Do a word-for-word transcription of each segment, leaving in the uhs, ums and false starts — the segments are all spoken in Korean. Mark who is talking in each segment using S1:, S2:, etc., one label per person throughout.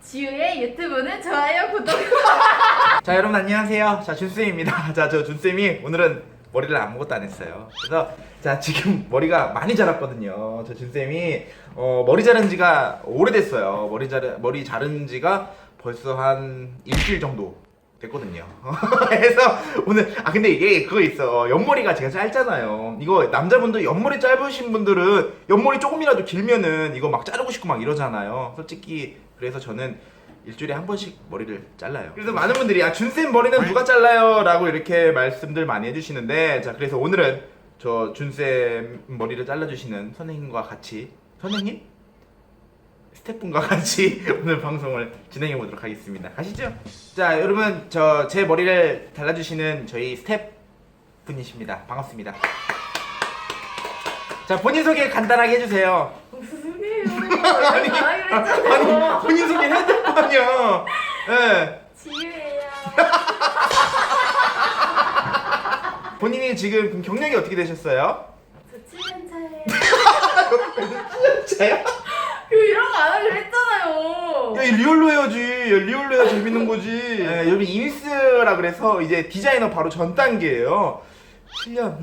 S1: 지우의 유튜브는 좋아요, 구독.
S2: 자, 여러분 안녕하세요. 자, 준쌤입니다. 자, 저 준쌤이 오늘은 머리를 아무것도 안 했어요. 그래서 자, 지금 머리가 많이 자랐거든요. 저 준쌤이 어, 머리 자른 지가 오래됐어요. 머리 자른 머리 자른 지가 벌써 한 일주일 정도 됐거든요. 그래서 오늘 아 근데 이게 그거 있어. 옆머리가 제가 짧잖아요. 이거 남자분들 옆머리 짧으신 분들은 옆머리 조금이라도 길면은 이거 막 자르고 싶고 막 이러잖아요. 솔직히 그래서 저는 일주일에 한 번씩 머리를 잘라요. 그래서 많은 분들이 아 준쌤 머리는 누가 잘라요? 라고 이렇게 말씀들 많이 해주시는데, 자 그래서 오늘은 저 준쌤 머리를 잘라주시는 선생님과 같이, 선생님? 스태프분과 같이 오늘 방송을 진행해 보도록 하겠습니다. 가시죠. 자 여러분, 저 제 머리를 잘라주시는 저희 스태프분이십니다. 반갑습니다. 자 본인 소개 간단하게 해주세요.
S1: 무슨 소리예요?
S2: 아니, 아니 본인 소개 해야 될 거 아니야. 예.
S1: 지우예요.
S2: 본인이 지금 그럼 경력이 어떻게 되셨어요?
S1: 저 칠 년 차예요.
S2: 진짜요?
S1: 그 이런 거 안 하기로 했잖아요.
S2: 야, 이 리얼로 해야지. 야, 리얼로 해야 재밌는 거지. 예, 여러분 인스라 그래서 이제 디자이너 바로 전 단계예요. 칠 년.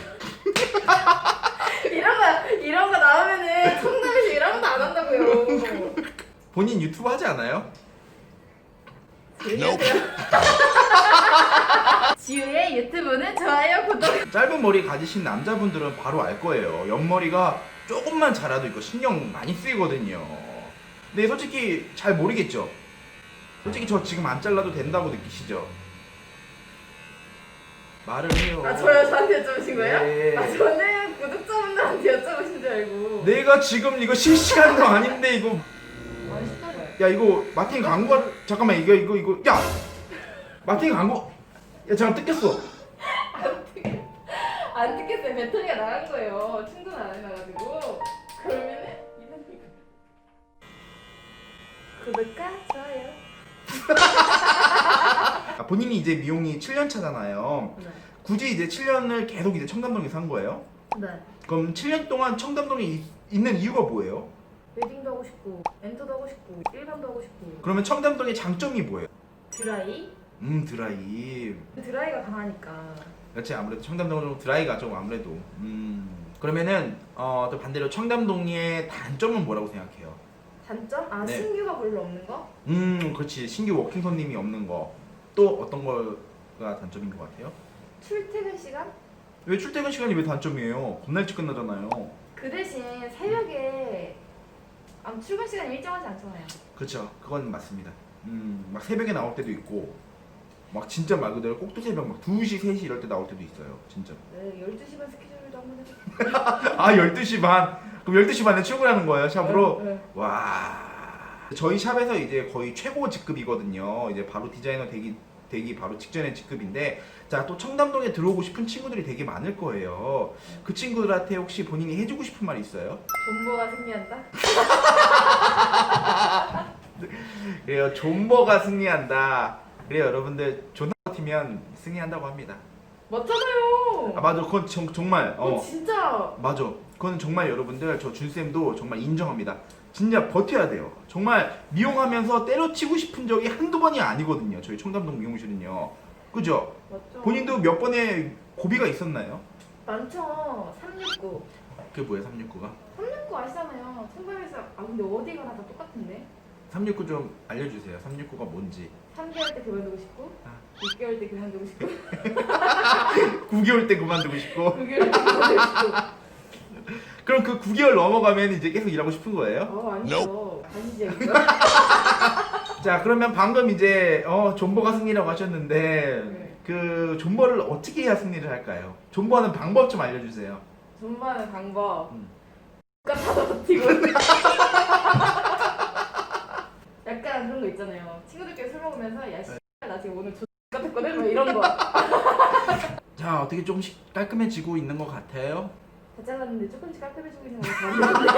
S1: 이런 거 이런 거 나오면은 청담에서 이런 것도 안 한다고요.
S2: 본인 유튜브 하지 않아요?
S1: 지우의 유튜브는 좋아요, 구독.
S2: 짧은 머리 가지신 남자분들은 바로 알 거예요. 옆머리가 조금만 자라도 이거 신경 많이 쓰이거든요. 근데 솔직히 잘 모르겠죠? 솔직히 저 지금 안 잘라도 된다고 느끼시죠? 말을 해요.
S1: 아 저요? 저한테 여쭤보신 거예요?
S2: 네.
S1: 아 저는 구독자분들한테 여쭤보신 줄 알고.
S2: 내가 지금 이거 실시간도 아닌데 이거
S1: 맛있어요.
S2: 야 이거 마틴 광고 잠깐만 이거 이거 이거 야 마틴 광고 야 잠깐 뜯겼어.
S1: 안 뜯- 안 뜯겠어요. 배터리가 나간 거예요. 충전 안 해놔가지고. 그러면은 이런 구독과 좋아요.
S2: 아, 본인이 이제 미용이 칠 년 차잖아요.
S1: 네.
S2: 굳이 이제 칠 년을 계속 이제 청담동에서 한 거예요?
S1: 네.
S2: 그럼 칠 년 동안 청담동에 이- 있는 이유가 뭐예요?
S1: 웨딩도 하고 싶고, 엔터도 하고 싶고, 일반도 하고 싶고.
S2: 그러면 청담동의 장점이 뭐예요?
S1: 드라이?
S2: 음 드라이.
S1: 드라이가 강하니까.
S2: 그렇지, 아무래도 청담동은 좀 드라이가 좀 아무래도. 음 그러면은 어, 또 반대로 청담동의 단점은 뭐라고 생각해요?
S1: 단점? 아
S2: 네.
S1: 신규가 별로 없는 거?
S2: 음 그렇지, 신규 워킹 손님이 없는 거. 또 어떤 거가 단점인 것 같아요?
S1: 출퇴근 시간?
S2: 왜 출퇴근 시간이 왜 단점이에요? 겁나 일찍 끝나잖아요.
S1: 그 대신 새벽에 아무 출근 시간이 일정하지 않잖아요.
S2: 그렇죠, 그건 맞습니다. 음막 새벽에 나올 때도 있고 막 진짜 말 그대로 꼭두 새벽 막 두 시, 세 시 이럴 때 나올 때도 있어요. 진짜.
S1: 네, 열두 시 반 스케줄도 한번 해볼게요.
S2: 아 열두 시 반. 그럼 열두 시 반에 출근하는 거예요, 샵으로?
S1: 네, 네.
S2: 와. 저희 샵에서 이제 거의 최고 직급이거든요. 이제 바로 디자이너 되기 되기 바로 직전의 직급인데, 자 또 청담동에 들어오고 싶은 친구들이 되게 많을 거예요. 그 친구들한테 혹시 본인이 해주고 싶은 말 있어요?
S1: 존버가 승리한다?
S2: 그래요, 존버가 승리한다. 그래요, 여러분들 존나 버티면 승리한다고 합니다.
S1: 맞잖아요.
S2: 아 맞아, 그건 정, 정말
S1: 어,
S2: 어
S1: 진짜.
S2: 맞아. 그건 정말 여러분들 저 준쌤도 정말 인정합니다. 진짜 버텨야 돼요. 정말 미용하면서 때려치고 싶은 적이 한두 번이 아니거든요. 저희 청담동 미용실은요. 그죠?
S1: 맞죠.
S2: 본인도 몇 번의 고비가 있었나요?
S1: 많죠. 삼육구.
S2: 그게 뭐예요, 삼육구가?
S1: 삼육구 아시잖아요. 청담에서 아 근데 어디 가나 다 똑같은데.
S2: 삼육구 좀 알려주세요. 삼육구가 뭔지.
S1: 삼 개월 때 그만두고 싶고,
S2: 아.
S1: 육 개월 때 그만두고 싶고,
S2: 구 개월 때 그만두고 싶고.
S1: 구 개월 때 그만두고 싶고.
S2: 그럼 그 구 개월 넘어가면 이제 계속 일하고 싶은 거예요?
S1: 어 아니죠. 아니지 이거.
S2: 자 그러면 방금 이제 어 존버가 승리라고 하셨는데,
S1: 네.
S2: 그 존버를 어떻게 해야 승리를 할까요? 존버하는 방법 좀 알려주세요.
S1: 존버하는 방법.
S2: 음.
S1: 똑같아서 버티고. 약간 그런 거 있잖아요. 친구들끼리 술 먹으면서 야 씨, 나 지금 오늘 X같았거든? 뭐 이런 거.
S2: 자 어떻게 조금씩 깔끔해지고 있는 것 같아요?
S1: 다 잘랐는데 조금씩 깔끔해지고 있는 거 같은데.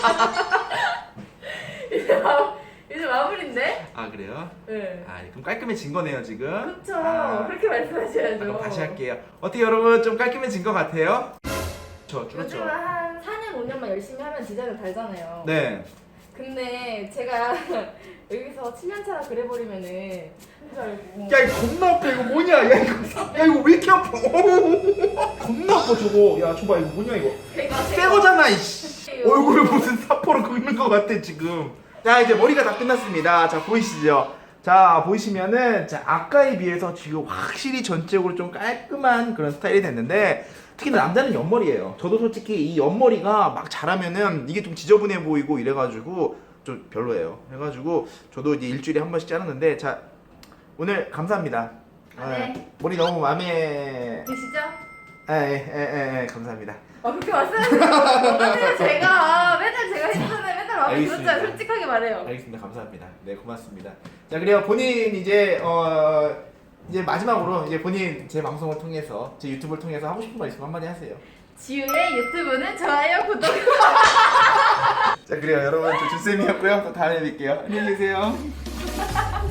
S1: 이제 마 이제 마무리인데?
S2: 아 그래요?
S1: 네.
S2: 아 그럼 깔끔해진 거네요 지금?
S1: 그쵸.
S2: 아,
S1: 그렇게 말씀하셔야죠.
S2: 그럼 다시 할게요. 어떻게 여러분 좀 깔끔해진 것 같아요? 그렇죠, 그렇죠.
S1: 요즘은 한 사 년, 오 년만 열심히 하면 디자인은 달잖아요.
S2: 네.
S1: 근데 제가 여기서 칠면차라 그래버리면은 한줄 알고.
S2: 야 이거 겁나 아파. 이거 뭐냐? 야 이거 야 이거 왜 이렇게 아파? 어우, 겁나 아파 저거. 야 줘봐 이거 뭐냐 이거?
S1: 제가
S2: 새 거잖아 이씨. 얼굴에 무슨 사포로 긁는 것 같아 지금. 자 이제 머리가 다 끝났습니다. 자 보이시죠? 자 보이시면은 자 아까에 비해서 지금 확실히 전체적으로 좀 깔끔한 그런 스타일이 됐는데 특히 남자는 옆머리예요. 저도 솔직히 이 옆머리가 막 자라면은 이게 좀 지저분해 보이고 이래가지고 좀 별로예요. 해가지고 저도 이제 일주일에 한 번씩 자르는데 자 오늘 감사합니다.
S1: 아, 네.
S2: 머리 너무 마음에
S1: 드시죠?
S2: 에에에 에, 감사합니다.
S1: 아 그렇게 말씀하시면 어떡해요. 제가 맨날 제가 했잖아요. 맨날 마음에
S2: 알겠습니다.
S1: 들었잖아요. 솔직하게 말해요.
S2: 알겠습니다. 감사합니다. 네 고맙습니다. 자 그래요 본인 이제 어 이제 마지막으로 이제 본인 제 방송을 통해서 제 유튜브를 통해서 하고 싶은 말 있으면 한마디 하세요.
S1: 지우의 유튜브는 좋아요 구독.
S2: 자 그래요 여러분 저 준쌤이었고요. 또 다음에 뵐게요. 안녕히 계세요.